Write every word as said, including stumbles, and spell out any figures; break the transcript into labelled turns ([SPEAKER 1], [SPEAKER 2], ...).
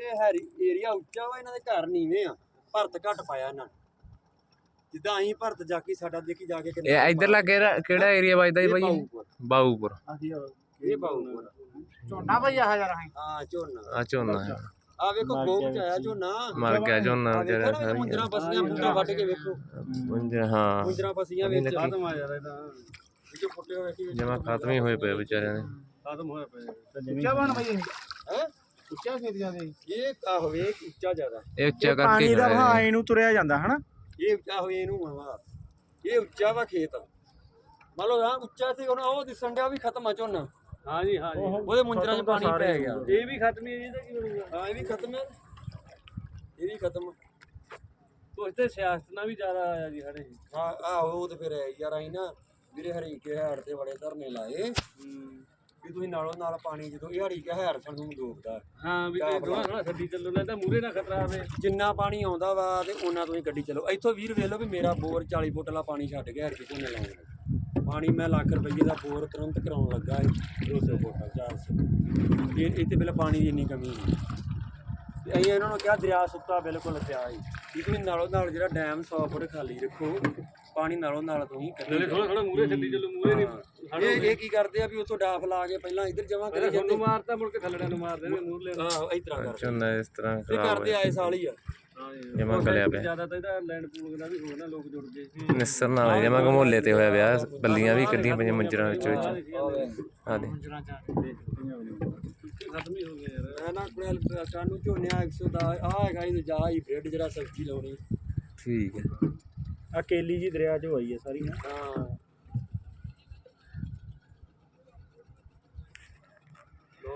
[SPEAKER 1] ਇਹ Harry area ਉੱਚਾ ਵਾ, ਇਹਨਾਂ ਦੇ ਘਰ ਨੀਵੇਂ ਆ, ਭਰਤ ਘੱਟ ਪਾਇਆ ਇਹਨਾਂ ਨੇ। ਜਿੱਦਾਂ ਅਸੀਂ ਭਰਤ ਜਾਕੀ ਸਾਡਾ ਦੇਖੀ ਜਾ ਕੇ
[SPEAKER 2] ਇਹ ਇਧਰਲਾ ਕਿਹੜਾ ਕਿਹੜਾ ਏਰੀਆ ਵੱਜਦਾ ਜੀ ਭਾਈ? ਬਾਊਪੁਰ।
[SPEAKER 1] ਇਹ ਬਾਊਪੁਰ
[SPEAKER 3] ਝੋਨਾ ਭਾਈ ਆ ਯਾਰ
[SPEAKER 1] ਹਾਂ ਝੋਨਾ
[SPEAKER 2] ਆ ਝੋਨਾ
[SPEAKER 1] ਆ ਵੇਖੋ ਬਹੁਤ ਆਇਆ ਝੋਨਾ
[SPEAKER 2] ਮਰ ਗਿਆ ਝੋਨਾ ਜਿਹੜਾ ਸਾਰੀ
[SPEAKER 1] ਮੁੰਦਰਾ ਫਸੀਆਂ ਮੁੰਦਰਾ ਵੱਢ ਕੇ ਵੇਖੋ
[SPEAKER 2] ਮੁੰਦਰਾ ਹਾਂ
[SPEAKER 1] ਮੁੰਦਰਾ ਫਸੀਆਂ ਵਿੱਚ ਖਤਮ ਆ ਯਾਰ ਇਹਦਾ ਜੋ ਫੁੱਟੇ ਹੋਏ ਸੀ
[SPEAKER 2] ਜਮਾ ਖਤਮ ਹੀ ਹੋਏ ਪਏ ਵਿਚਾਰਿਆਂ ਦੇ
[SPEAKER 1] ਖਤਮ ਹੋਏ ਪਏ।
[SPEAKER 3] ਉੱਚਾ ਬਣ ਭਾਈ ਇਹ
[SPEAKER 1] ਹੈ
[SPEAKER 3] ਉੱਚਾ ਖੇਤ ਜਾਂਦੇ
[SPEAKER 1] ਇਹ ਆ ਹੋਵੇ ਉੱਚਾ ਜ਼ਿਆਦਾ
[SPEAKER 2] ਇਹ ਉੱਚਾ ਕਰਕੇ
[SPEAKER 3] ਪਾਣੀ ਦਾ ਵਹਾਅ ਇਹਨੂੰ ਤੁਰਿਆ ਜਾਂਦਾ ਹਨਾ।
[SPEAKER 1] ਇਹ ਉੱਚਾ ਹੋਵੇ ਇਹਨੂੰ ਹਵਾ ਇਹ ਉੱਚਾ ਵਾ ਖੇਤ ਮੰਨ ਲਓ ਆ ਉੱਚਾ ਸੀ ਹੁਣ ਉਹ ਦਿਸਣ ਡਿਆ ਵੀ ਖਤਮ ਆ ਝੋਨਾ। ਹਾਂ ਜੀ ਹਾਂ ਜੀ ਉਹਦੇ ਮੁੰਦਰਾਂ 'ਚ ਪਾਣੀ ਪੈ ਗਿਆ। ਇਹ ਵੀ ਖਤਮ ਹੀ ਇਹਦਾ ਕੀ ਬਣੂਗਾ? ਹਾਂ ਇਹ ਵੀ ਖਤਮ ਹੈ ਇਹ ਵੀ ਖਤਮ। ਕੁਛ ਤੇ ਸਿਆਸਤ ਨਾਲ ਵੀ ਜ਼ਿਆਦਾ ਆਇਆ ਜੀ ਸਾਡੇ। ਹਾਂ ਆਹੋ ਉਹ ਤੇ ਫਿਰ ਯਾਰ ਅਸੀਂ ਨਾ ਵੀਰੇ ਹਰੀਕੇ ਹੈੜ ਤੇ ਬੜੇ ਧਰਨੇ ਲਾਏ ਵੀ ਤੁਸੀਂ ਨਾਲੋਂ ਨਾਲ ਪਾਣੀ ਜਦੋਂ ਇਹ ਹਰੀਕੇ ਹੈੜ ਸਾਨੂੰ ਡੋਬਦਾ। ਹਾਂ ਵੀ ਥੋੜਾ ਥੋੜਾ ਛੱਡੀ ਚੱਲੋ ਨਾ ਤਾਂ ਮੂਹਰੇ ਨਾ ਖਤਰਾ ਆਵੇ। ਜਿੰਨਾ ਪਾਣੀ ਆਉਂਦਾ ਵਾ ਤੇ ਉਹਨਾਂ ਤੁਸੀਂ ਗੱਡੀ ਚਲੋ। ਇੱਥੋਂ ਵੀਰ ਵੇਖ ਲਓ ਵੀ ਮੇਰਾ ਬੋਰ ਚਾਲੀ ਫੁੱਟ ਵਾਲਾ ਪਾਣੀ ਛੱਡ ਗਿਆ ਹਰੀਕੇ ਝੋਨੇ ਲਾਉਣ। ਪਾਣੀ ਮੈਂ ਲੱਖ ਰੁਪਈਏ ਦਾ ਬੋਰ ਤੁਰੰਤ ਕਰਾਉਣ ਲੱਗਾ ਦੋ ਸੌ ਫੁੱਟ ਚਾਰ ਸੌ। ਇਹ ਇੱਥੇ ਪਹਿਲਾਂ ਪਾਣੀ ਦੀ ਇੰਨੀ ਕਮੀ ਨਹੀਂ ਤੇ ਅਸੀਂ ਇਹਨਾਂ ਨੂੰ ਕਿਹਾ ਦਰਿਆ ਸੁੱਕਾ ਬਿਲਕੁਲ ਪਿਆ ਸੀ ਵੀ ਤੁਸੀਂ ਨਾਲੋਂ ਨਾਲ ਜਿਹੜਾ ਡੈਮ ਸੌ ਫੁੱਟ ਖਾਲੀ ਰੱਖੋ ਪਾਣੀ ਨਾਲੋਂ ਨਾਲ ਤੁਸੀਂ ਥੋੜਾ ਥੋੜਾ ਮੂਹਰੇ ਛੱਡੀ ਚੱਲੋ ਮੂਹਰੇ ਨਹੀਂ। ਇਹ ਇਹ ਕੀ ਕਰਦੇ ਆ ਵੀ ਉੱਥੋਂ ਡਾਫ ਲਾ ਕੇ ਪਹਿਲਾਂ ਇੱਧਰ ਜਮਾ ਕਰੀ ਜਾਂਦੇ ਮਾਰਤਾ ਮੁੜ ਕੇ ਥੱਲੜਿਆਂ ਨੂੰ ਮਾਰ ਦੇਣਗੇ ਮੂਹਰਲੇ। ਹਾਂ ਇਸ ਤਰ੍ਹਾਂ ਕਰਦੇ
[SPEAKER 2] ਝੋਨਾ ਇਸ ਤਰ੍ਹਾਂ
[SPEAKER 1] ਇਹ ਕਰਦੇ ਆਏ ਸਾਲ ਹੀ ਆ।
[SPEAKER 2] ਜਮਾ ਗਲਿਆ ਪਿਆ
[SPEAKER 1] ਜ਼ਿਆਦਾ ਤਾਂ ਇਹਦਾ ਲੈਂਡ ਪੂਲਿੰਗ ਦਾ ਵੀ ਹੋਰ ਨਾ ਲੋਕ ਜੁੜ ਗਏ
[SPEAKER 2] ਨਿਸਰ ਨਾਲ ਜਮਾ ਘਮੋਲੇ ਤੇ ਹੋਇਆ ਵਿਆਹ ਬੱਲੀਆਂ ਵੀ ਕੱਢੀਆਂ ਪਈਆਂ ਮੰਜਰਾਂ ਵਿੱਚ ਵਿੱਚ ਆ ਦੇ
[SPEAKER 1] ਖਤਮ ਹੀ ਹੋ ਗਿਆ ਯਾਰ। ਮੈਂ ਨਾ ਕੋਲ ਸਾਨੂੰ ਝੋਨਿਆ ਇੱਕ ਸੌ ਦਾ ਆ ਹੈਗਾ ਇਹ ਜਾ ਹੀ ਬ੍ਰੈਡ ਜਿਹੜਾ ਸਬਜ਼ੀ ਲਾਉਣੀ।
[SPEAKER 2] ਠੀਕ ਹੈ
[SPEAKER 3] ਆ ਕੇਲੀ ਜੀ ਦਰਿਆ 'ਚ ਹੋਈ ਹੈ ਸਾਰੀ।
[SPEAKER 1] ਹਾਂ